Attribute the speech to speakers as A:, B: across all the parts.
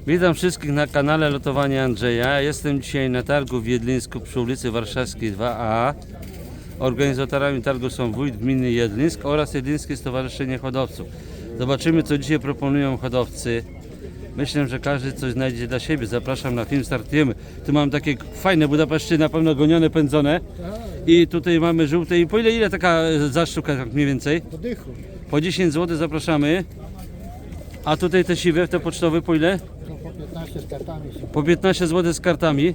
A: Witam wszystkich na kanale Lotowania Andrzeja. Jestem dzisiaj na targu w Jedlińsku przy ulicy Warszawskiej 2A. Organizatorami targu są wójt gminy Jedlińsk oraz Jedlińskie Stowarzyszenie Hodowców. Zobaczymy, co dzisiaj proponują hodowcy. Myślę, że każdy coś znajdzie dla siebie. Zapraszam na film, startujemy. Tu mam takie fajne Budapeszty, na pewno gonione, pędzone. I tutaj mamy żółte. I po ile taka za sztukę, tak mniej więcej?
B: Po dychu.
A: Po 10 zł zapraszamy. A tutaj te siwe, te pocztowe po ile?
B: No po 15 z kartami są.
A: Po 15 zł z kartami.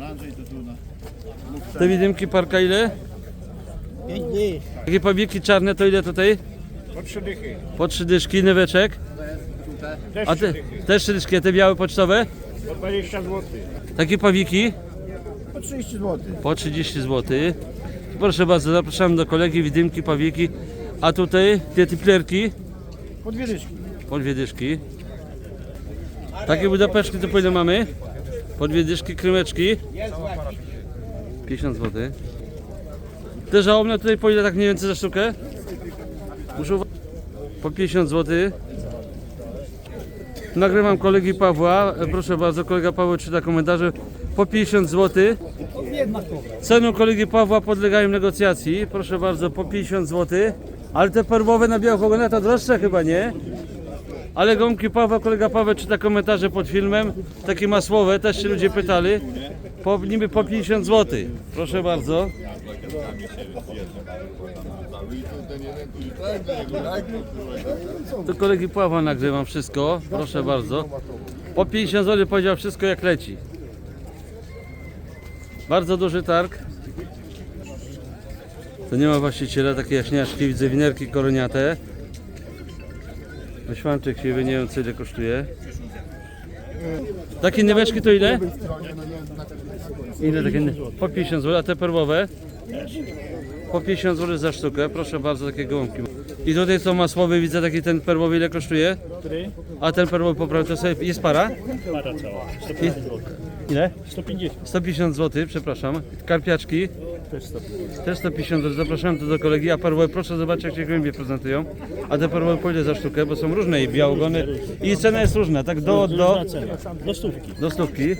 A: Te widymki parka ile?
B: 5 dych.
A: Takie pawieki czarne to ile tutaj?
B: Po 3 dychy.
A: Po 3 dyszki, nyweczek. A te też 3 dyszki, a te białe pocztowe?
B: Po 20 zł.
A: Takie pawiki?
B: Po 30 zł.
A: Po 30 zł. Proszę bardzo, zapraszam do kolegi, widymki, pawieki. A tutaj te tiplerki?
B: Po 2 dyszki.
A: Po 2 dyszki. Takie budapeszki to po ile mamy? Po 2 dyszki, krymeczki. 50 zł. Te żałobne tutaj po ile tak mniej więcej za sztukę? Muszę po 50 zł. Nagrywam kolegi Pawła. Proszę bardzo, kolega Paweł czyta komentarze. Po 50 zł. Ceny kolegi Pawła podlegają negocjacji. Proszę bardzo, po 50 zł. Ale te perłowe na białych ogonach to droższe chyba, nie? Ale gąbki Pawła, kolega Paweł czyta komentarze pod filmem. Takie masłowe, też się ludzie pytali. Niby po 50 zł. Proszę bardzo. Do kolegi Pawła nagrywam wszystko. Proszę bardzo. Po 50 zł powiedział wszystko jak leci. Bardzo duży targ. To nie ma właściciela, takie jaśniaczki, widzę winerki koroniate. Wyświanczyk siwy, nie wiem co ile kosztuje. Takie nyweczki to ile? Ile takie? Po 50 zł, a te perłowe? Po 50 zł za sztukę, proszę bardzo, takie gołąbki. I tutaj są masłowe, widzę taki ten perłowy, ile kosztuje? A ten perłowy poprawny to sobie jest para?
C: Para cała, 150 zł.
A: Ile?
C: 150.
A: 150 zł, przepraszam. Karpiaczki?
C: Też 150.
A: Też 150 zł, zapraszam tu do kolegi. A perłowe, proszę zobaczyć jak się głębiej prezentują. A te perłowe po ile za sztukę, bo są różne i białogony. I cena jest różna, tak do
C: Cena. Do stówki.
A: do stówki.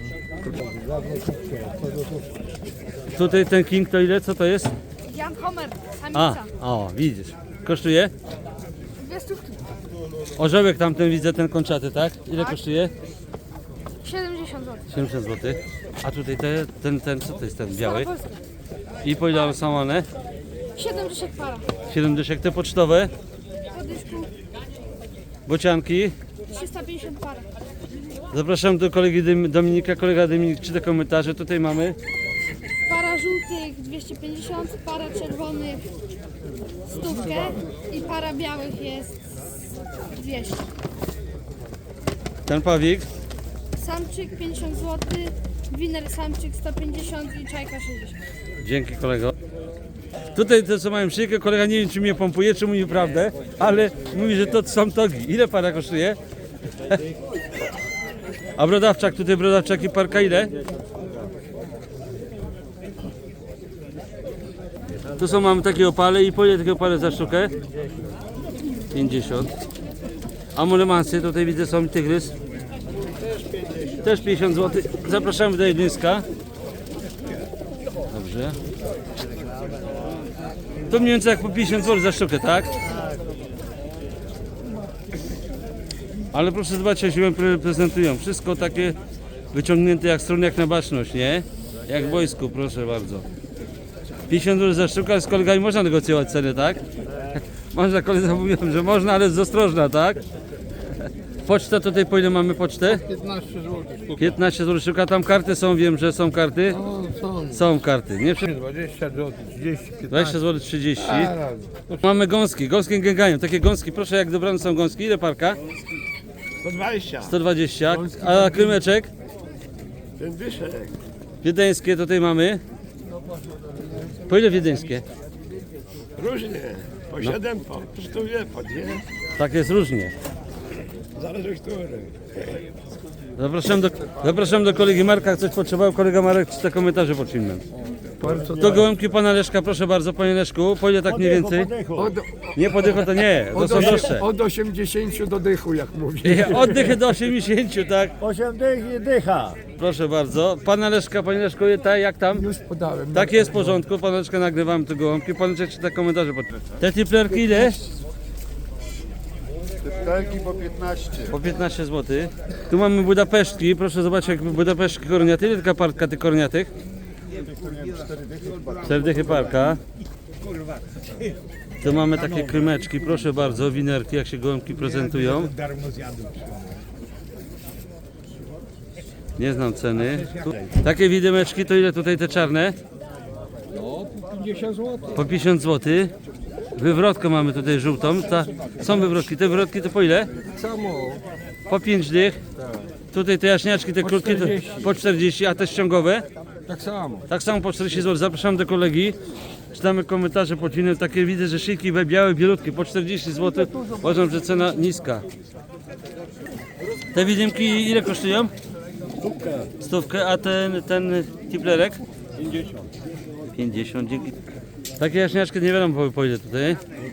A: Tutaj ten king to ile? Co to jest?
D: Jan Homer,
A: A,
D: samica.
A: o, widzisz. Kosztuje?
D: 2 stówki.
A: Orzełek tamten widzę, ten kończaty, tak? Ile kosztuje?
D: 70 zł.
A: 70 zł. A tutaj ten, co to jest ten biały?
D: Polska.
A: I po ile są one?
D: 70 para.
A: 7 dyszek. Te pocztowe,
D: Po dysku
A: bocianki.
D: 350 para.
A: Zapraszam do kolegi Dominika. Kolega Dominik czyta komentarze. Tutaj mamy
D: Para żółtych 250, para czerwonych 100 i para białych jest 200.
A: ten pawik.
D: Samczyk 50 zł, winer samczyk 150 i czajka 60.
A: Dzięki kolego. Tutaj te co mają szyjkę, kolega nie wiem czy mnie pompuje, czy mówi prawdę, ale mówi, że to są togi. Ile para kosztuje? A brodawczak, tutaj brodawczaki parka ile? Tu są, mamy takie opale i po ile takie opale za sztukę? 50. A mulemansy, tutaj widzę są tygrys. Też 50 zł. Zapraszamy do Jedlińska. Dobrze. To mniej więcej jak po 50 zł za sztukę, tak? Ale proszę zobaczyć, jak się prezentują. Wszystko takie wyciągnięte jak strony, jak na baczność, nie? Jak w wojsku, proszę bardzo. 50 zł za sztukę, ale z kolegami można negocjować ceny, tak? Można, koledzy mówią, że można, ale jest ostrożna, tak? Poczta tutaj po ile mamy pocztę?
B: 15 zł.
A: 15 zł sztuka, tam karty są, wiem, że są karty.
B: Są.
A: Są karty, nie?
B: 20 zł, 30, 15.
A: 20 zł 30. Mamy gąski, gąski gęgają, takie gąski, proszę jak dobrane są gąski, ile parka?
B: 120.
A: 120, a krymeczek?
B: Ten dyszek.
A: Wiedeńskie tutaj mamy. Po ile wiedeńskie?
B: Różnie. Po 7, po 100, po 2.
A: Tak jest różnie.
B: Zależy który.
A: Zapraszam do kolegi Marka, jak coś potrzebował, kolega Marek czyta komentarze pod filmem. To gołąbki pana Leszka, proszę bardzo, panie Leszku. Po ile tak mniej więcej? Nie podycho to nie, to są droższe.
B: Od 80 do dychu, jak mówi.
A: Oddychy do 80, tak?
C: 8 dych i dycha.
A: Proszę bardzo. Pana Leszka, panie Leszku, jak tam?
B: Już podałem.
A: Tak jest w porządku, pana Leszka nagrywamy te gołąbki. Pan Leszek czyta komentarze. Te tiplerki ile?
E: Typlerki po 15.
A: Po 15 zł. Tu mamy budapesztki, proszę zobaczyć jak budapesztki koroniaty. Ile taka parka tych koroniatych? 4 dychy parka. Tu mamy takie krymeczki, proszę bardzo, winerki, jak się gołąbki prezentują. Nie znam ceny. Takie widymeczki to ile tutaj te czarne?
B: Po 50 zł.
A: Po 50 zł. Wywrotkę mamy tutaj żółtą. Są wywrotki. Te wywrotki to po ile?
B: Samo.
A: Po 5 dych. Tutaj te jaśniaczki, te krótkie to po 40, a te ściągowe?
B: Tak samo.
A: Tak samo po 40 zł. Zapraszam do kolegi. Czytamy komentarze pod filmem. Takie widzę, że szyjki białe, bielutkie po 40 zł. Uważam, że cena niska. Te widymki ile kosztują? Stówkę, a ten tiplerek?
C: 50.
A: 50, dzięki. Takie jaśniaczki nie wiadomo po ile tutaj.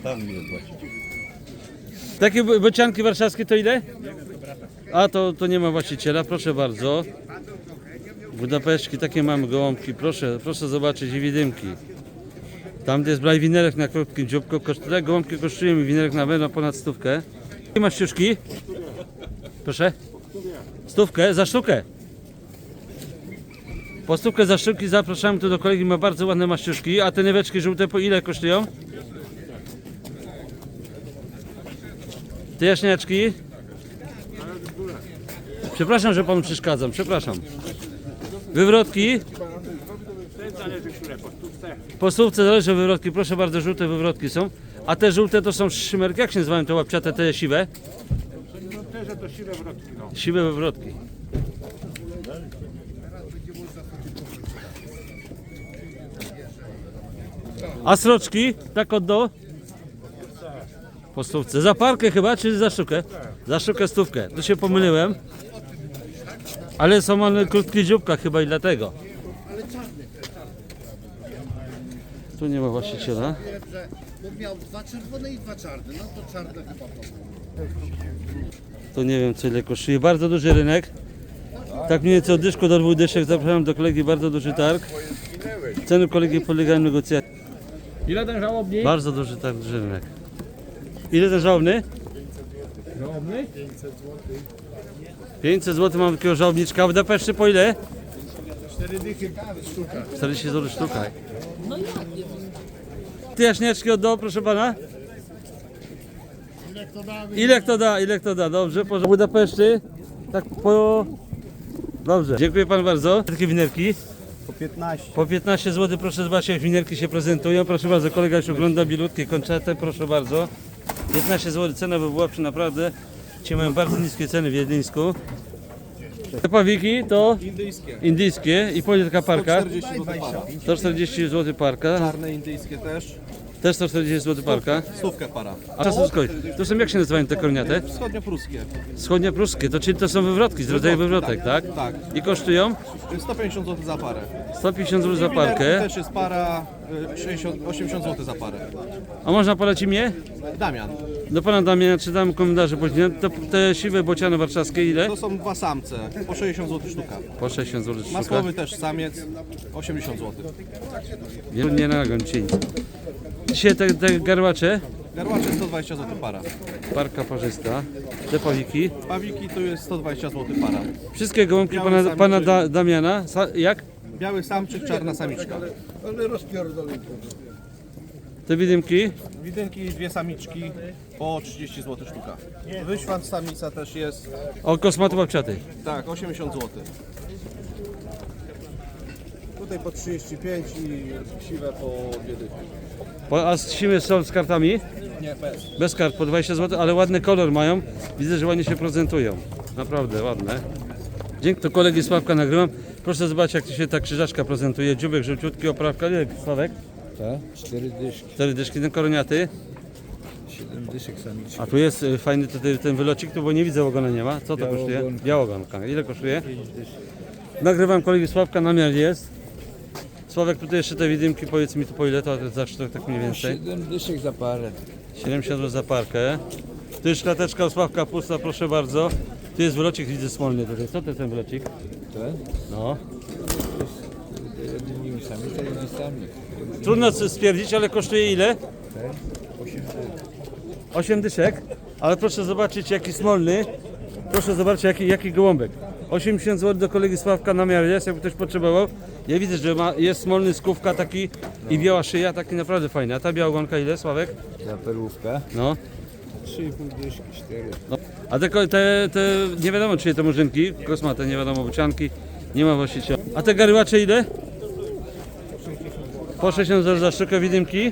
A: Takie bocianki warszawskie to ile? A to nie ma właściciela, proszę bardzo. Budapeszki, takie mamy gołąbki, proszę zobaczyć i widymki. Tam jest braj winerek na krótkim dzióbku, te gołąbki kosztują mi winerek na pewno ponad stówkę. I masz ciuszki? Proszę? Stówkę za sztukę. Po stówkę za sztuki zapraszamy tu do kolegi, ma bardzo ładne maściuszki. A te nyweczki żółte po ile kosztują? Te jaśniaczki? Przepraszam, że panu przeszkadzam, przepraszam. Wywrotki? Po stówce zależy wywrotki, proszę bardzo, żółte wywrotki są. A te żółte to są szymerki, jak się nazywają te łapciate, te siwe?
E: To siwe wrotki, no.
A: Siwe wywrotki. A sroczki? Tak od do? Po stówce. Za parkę chyba, czy za sztukę? Za sztukę stówkę. Tu się pomyliłem. Ale są one krótkie dzióbka chyba i dlatego. Tu nie ma właściciela.
F: Bo miał 2 czerwone i 2 czarne. No to czarne chyba to.
A: To nie wiem co ile kosztuje. Bardzo duży rynek. Tak mniej więcej od dyszku do 2 dyszek. Zapraszam do kolegi, bardzo duży targ. Ceny kolegi podlegają negocjacji.
B: Ile ten żałobnik?
A: Bardzo duży targ, duży rynek. Ile ten żałobny?
B: Żałobny?
A: 500 zł mam takiego żałobniczka. A w Budapeszcie po ile?
B: 4 dychy sztuka.
A: 40 zł sztuka. Ty jaśniaczki oddał, proszę pana? Ile kto da? Dobrze, po Budapeszcie. Tak po... Dobrze, dziękuję panu bardzo. Takie winerki?
C: Po 15.
A: Po 15 zł, proszę zobaczyć jak winerki się prezentują. Proszę bardzo, kolega już ogląda bilutkie, kończete, proszę bardzo. 15 zł, cena by była przy naprawdę. Ci mają bardzo niskie ceny w Wiedlińsku. Te pawiki to indyjskie. I po ile taka parka? 140 zł parka.
G: Czarne indyjskie też.
A: Też 140 zł parka.
G: Stówkę para.
A: A czasu skoj. To są jak się nazywają te korniate?
G: Wschodniopruskie.
A: Wschodnie pruskie, to czyli to są wywrotki z rodzaju wywrotek, tak?
G: Tak.
A: I kosztują
G: 150 zł za parę.
A: 150 zł za
G: Winerki
A: parkę.
G: też jest para 80 zł za parę.
A: A można polecić mnie?
G: Damian.
A: Do pana Damiana czytam komentarze później. To te siwe bociany warszawskie ile?
G: To są 2 samce. Po 60 zł sztuka.
A: Po 60 zł sztuka.
G: Masłowy też samiec. 80 zł.
A: Nie nagon dzisiaj. Dzisiaj te garłacze,
G: Garłacze 120 zł para.
A: parka parzysta, te pawiki.
G: Pawiki to jest 120 zł para.
A: Wszystkie gołąbki
G: Biały
A: pana
G: samiczy.
A: Damiana. Jak?
G: Biały samczyk, czarna samiczka.
A: Te widymki.
G: Widynki 2 samiczki po 30 zł sztuka. Wyświat samica też jest.
A: O, kosmaty babciaty.
G: Tak, 80 zł.
E: Tutaj po 35 i siwe po 2 dychy.
A: A siły są z kartami?
G: Nie, bez.
A: Bez kart, po 20 zł, ale ładny kolor mają. Widzę, że ładnie się prezentują. Naprawdę ładne. Dzięki, to kolegi Sławka nagrywam. Proszę zobaczyć, jak się ta krzyżaczka prezentuje. Dziubek żółciutki, oprawka. Ile Sławek?
B: Tak, 4 dyszki.
A: 4 dyszki, ten koroniaty.
B: 7 dyszek samiczki.
A: A tu jest fajny tutaj ten wylocik, tu bo nie widzę ogona nie ma. Co to kosztuje?
B: Białogonka.
A: Białogonka. Ile kosztuje? Nagrywam kolegi Sławka, namiar jest. Sławek, tutaj jeszcze te widymki, powiedz mi tu po ile to za sztuk, tak mniej więcej?
B: 7 dyszek za parę.
A: 70 zł za parkę. Tu jest szklateczka Sławka pusta, proszę bardzo. Tu jest wylocik, widzę smolny tutaj. Co to jest ten wylocik?
B: Ten?
A: No.
B: Jednymi sami, to jednymi sami.
A: Trudno stwierdzić, ale kosztuje ile? 8 dyszek. Ale proszę zobaczyć jaki smolny. Proszę zobaczyć jaki gołąbek. 80 zł do kolegi Sławka na miarę jest, jakby ktoś potrzebował. Ja widzę, że jest smolny skówka taki i biała szyja, taki naprawdę fajny. A ta biała ogonka ile, Sławek?
B: Za perłówkę.
A: No.
B: 3,5 dyszki, 4.
A: No. A te nie wiadomo czyje to murzynki, kosmate, nie wiadomo, bocianki, nie ma właściciela. A te garyłacze ile? Po 60 zł za sztukę widymki.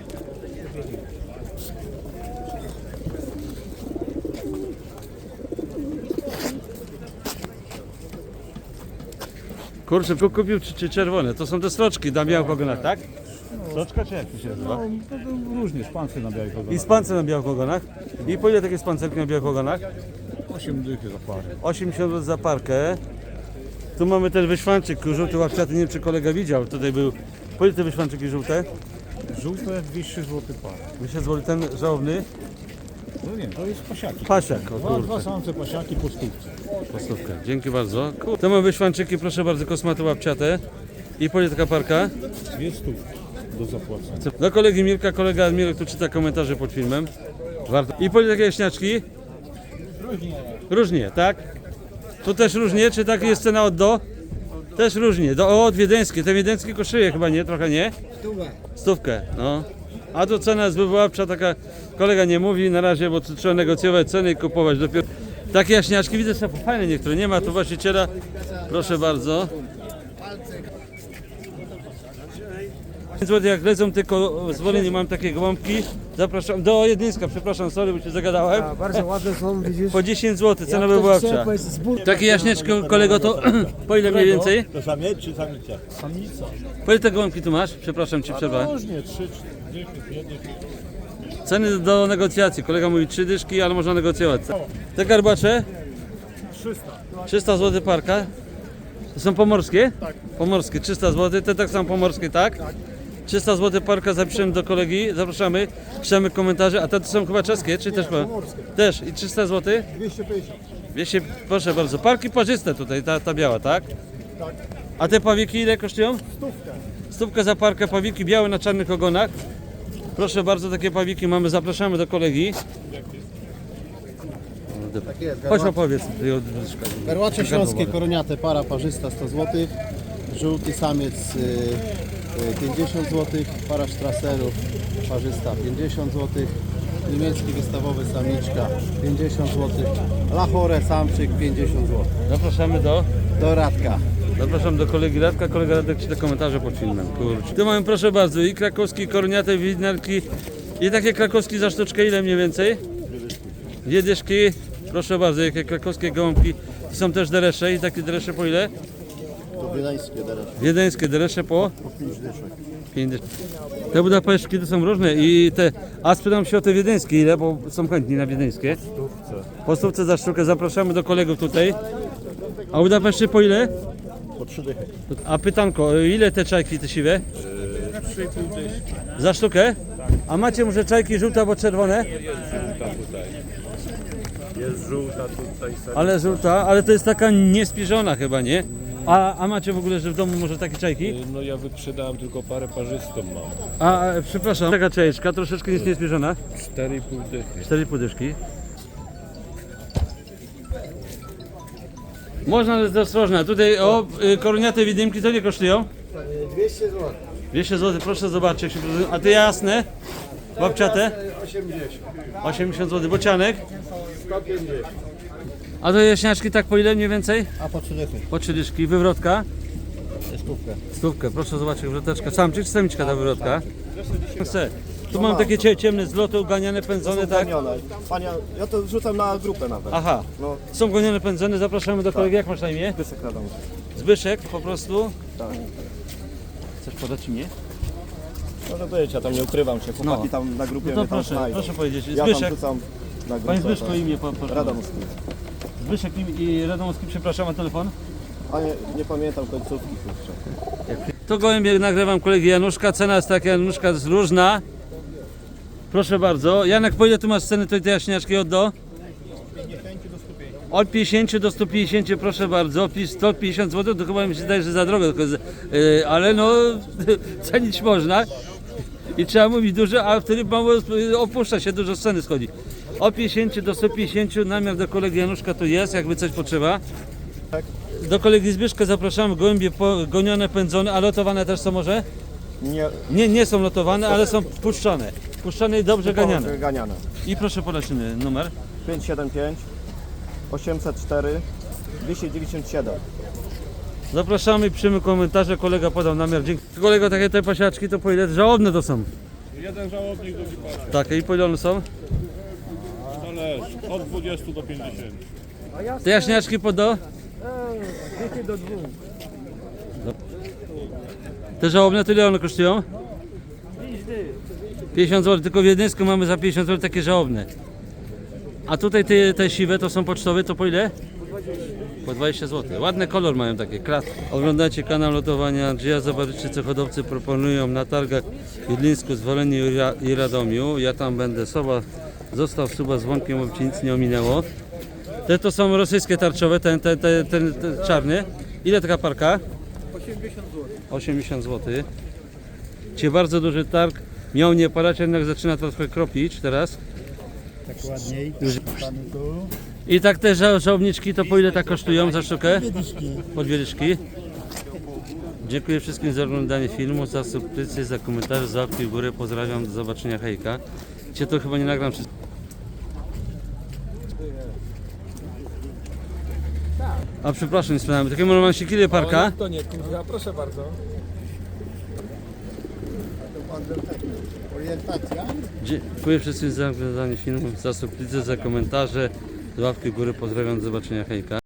A: Kurczę, kupił czy czerwone? To są te sroczki na białych ogonach, tak? Sroczka czy jak to się nazywa?
C: Różnie, szpancy na białych ogonach.
A: I spance na białych ogonach. I po ile takie spancerki na białych ogonach?
C: 8 dychy za parę.
A: 80 zł za parkę. Tu mamy ten wyszwanczyk, żółty łapciaty, nie wiem czy kolega widział, tutaj był. Po ile te wyszwanczyki żółte?
C: Żółte 200 zł parę.
A: 200 zł, ten żałobny.
C: No nie, to jest pasiaki.
A: Pasiak, o
C: Dwa
A: kurczę,
C: samce pasiaki po stówce.
A: postówkę. Dzięki bardzo. To mamy wyszwanczyki, proszę bardzo, kosmaty łapciate. I po ile taka parka?
C: 2 stówki do zapłacenia.
A: Do kolegi Mirka, kolega Mirek tu czyta komentarze pod filmem. Warto. I po ile takie jaśniaczki? Różnie, tak? Tu też różnie, czy tak jest cena od do? Też różnie. Od wiedeńskie. Te wiedeńskie kosztuje chyba nie? Trochę nie? Stówkę, no. A tu cena jest wywoławcza, taka kolega nie mówi na razie, bo tu trzeba negocjować ceny i kupować dopiero. Takie jaśniaczki, widzę, że fajne niektóre, nie ma tu właściciela. Proszę bardzo. 5 zł jak lecą, tylko zwolnienie mam takie gołąbki. Zapraszam do Jedlińska, przepraszam, sorry, bo się zagadałem.
H: Bardzo ładne są, widzisz?
A: Po 10 zł, cena wywoławcza. Takie jaśnieczko, kolego, to po ile mniej więcej?
C: To samiec czy samica? Samica.
A: Po ile te gołąbki tu masz? Przepraszam cię, przerwę.
C: Różnie, 3 dychy, 5 dychy.
A: Ceny do negocjacji. Kolega mówi 3 dyszki, ale można negocjować. Te garbacze?
C: 300.
A: 300 zł parka. To są pomorskie? Tak. Pomorskie, 300 zł. Te tak samo pomorskie, tak? Tak. 300 zł parka, zapiszemy do kolegi, zapraszamy, piszemy komentarze. A te to są chyba czeskie, czy też? Też. I 300 zł?
E: 250.
A: 200, proszę bardzo. Parki parzyste tutaj, ta biała, tak?
E: Tak.
A: A te pawiki ile kosztują?
E: Stówkę.
A: Stówkę za parkę, pawiki białe na czarnych ogonach. Proszę bardzo, takie pawiki mamy, zapraszamy do kolegi.
E: Tak jest.
A: Chodź opowiedz.
E: Garłacze śląskie, koroniate, para parzysta 100 zł. Żółty samiec 50 zł. Para sztraserów parzysta 50 zł. Niemiecki wystawowy samiczka 50 zł. Lachore samczyk 50 zł.
A: Zapraszamy do
E: Radka.
A: Zapraszam do kolegi Radka, kolega Radek czyta komentarze pod filmem. Kurczę. Tu mamy, proszę bardzo, i krakowski, koroniate, widnerki. I takie krakowski za sztuczkę ile mniej więcej? 2 dyszki. Proszę bardzo, jakie krakowskie gołąbki. To są też deresze i takie deresze po ile?
E: To wiedeńskie teraz.
A: Wiedeńskie deresze po?
E: 5 dyszek.
A: 5 dyszek. Te budapesztki to są różne i te, a spytam się o te wiedeńskie ile, bo są chętni na wiedeńskie. Po stówce za sztukę, zapraszamy do kolegów tutaj. A budapeszty po ile?
C: Po 3 dychy.
A: A pytanko, ile te czajki te siwe?
C: 3,5 dyszki.
A: Za sztukę? A macie może czajki żółte albo czerwone?
C: Jest żółta tutaj.
A: Ale żółta, ale to jest taka niespiżona chyba, nie? A macie w ogóle, że w domu może takie czajki?
I: No ja wyprzedałem tylko parę parzystą mam.
A: Przepraszam, taka czajeczka, troszeczkę jest niespiżona.
I: 4,5 dychy.
A: 4,5 dyszki. Można, ale jest ostrożna. Tutaj koroniate widymki, to nie kosztują?
E: 200 zł.
A: 200 zł, proszę zobaczyć jak się prezentują. A te jasne? Łapciate?
E: 80.
A: 80 zł. Bocianek?
E: 150.
A: A to jaśniaczki tak po ile mniej więcej?
E: A po 3 dychy.
A: Po 3 dyszki. Wywrotka?
E: Stówkę.
A: Stówkę, proszę zobaczyć, wywroteczka. Samczyk czy samiczka ta wywrotka? Chcę. Tu mam takie ciemne zloty, uganiane, pędzone, tak?
E: Panie, ja to wrzucam na grupę nawet.
A: Aha.
E: No.
A: Są gonione, pędzone, zapraszamy do kolegi. Jak masz na imię?
E: Pysek nadam.
A: Zbyszek po prostu.
E: Tak.
A: Chcesz podać imię?
E: Może być, ja tam nie ukrywam się. Chłopaki
A: No.
E: tam na grupie
A: No to
E: mnie tam
A: proszę,
E: znajdą.
A: proszę powiedzieć.
E: Ja tam
A: Zbyszek.
E: rzucam na grupę.
A: Panie Zbyszko,
E: tak.
A: imię proszę.
E: Radomski.
A: Zbyszek i Radomowski, przepraszam, a telefon?
E: Panie, nie pamiętam końcówki, kurczę.
A: Tu gołębie nagrywam kolegi Januszka, cena jest taka, Januszka jest różna. Proszę bardzo. Janek, po ile tu masz ceny tej jaśniaczki od do? Od 50 do 150, proszę bardzo. 150 zł, to chyba mi się zdaje, że za drogo, tylko, ale no cenić można. I trzeba mówić dużo, a wtedy mało opuszcza się, dużo z ceny schodzi. Od 50 do 150, namiar do kolegi Januszka tu jest, jakby coś potrzeba. Do kolegi Zbyszka zapraszamy, gołębie gonione, pędzone, a lotowane też są może? Nie są lotowane, ale są puszczone. Puszczone i dobrze ganiane.
G: Ganiane.
A: I proszę podać numer.
G: 575 804 297.
A: Zapraszamy, piszemy komentarze, kolega podał namiar. Dzięki. Kolego, takie te pasiaczki to po ile? Żałobne to są.
I: Jeden żałobnik do wypasia.
A: Takie i po ile one są?
I: Zależy. Od 20 do 50.
A: Te jaśniaczki po do? Te żałobne to ile one kosztują? 50 zł, tylko w Wiedeńsku mamy za 50 zł takie żałobne. A tutaj te siwe to są pocztowe, to po ile? Po 20 zł. Ładny kolor mają takie, klatki. Oglądacie kanał lotowania Andrzeja, zobaczycie co hodowcy proponują na targach w Wiedlińsku, Zwoleniu i Radomiu. Ja tam będę, zostaw suba z dzwonkiem, aby ci nic nie ominęło. Te to są rosyjskie tarczowe, ten czarny. Ile taka parka? 80 zł. 80 zł. Dzisiaj bardzo duży targ. Miał nie padać, jednak zaczyna trochę kropić teraz.
C: Tak ładniej.
A: I tak te żałobniczki to po ile tak kosztują za sztukę? Po 2 dyszki. Dziękuję wszystkim za oglądanie filmu, za subskrypcję, za komentarze, za łapki w górę. Pozdrawiam, do zobaczenia, hejka. Cię to chyba nie nagram wszystko. A przepraszam, nie sprzedałem. Takie romansiki, ile parka?
H: To nie, kurwa, proszę bardzo.
E: Orientacja.
A: Dziękuję wszystkim za oglądanie filmu, za subskrypcję, za komentarze, za łapki w górę. Pozdrawiam, do zobaczenia, hejka.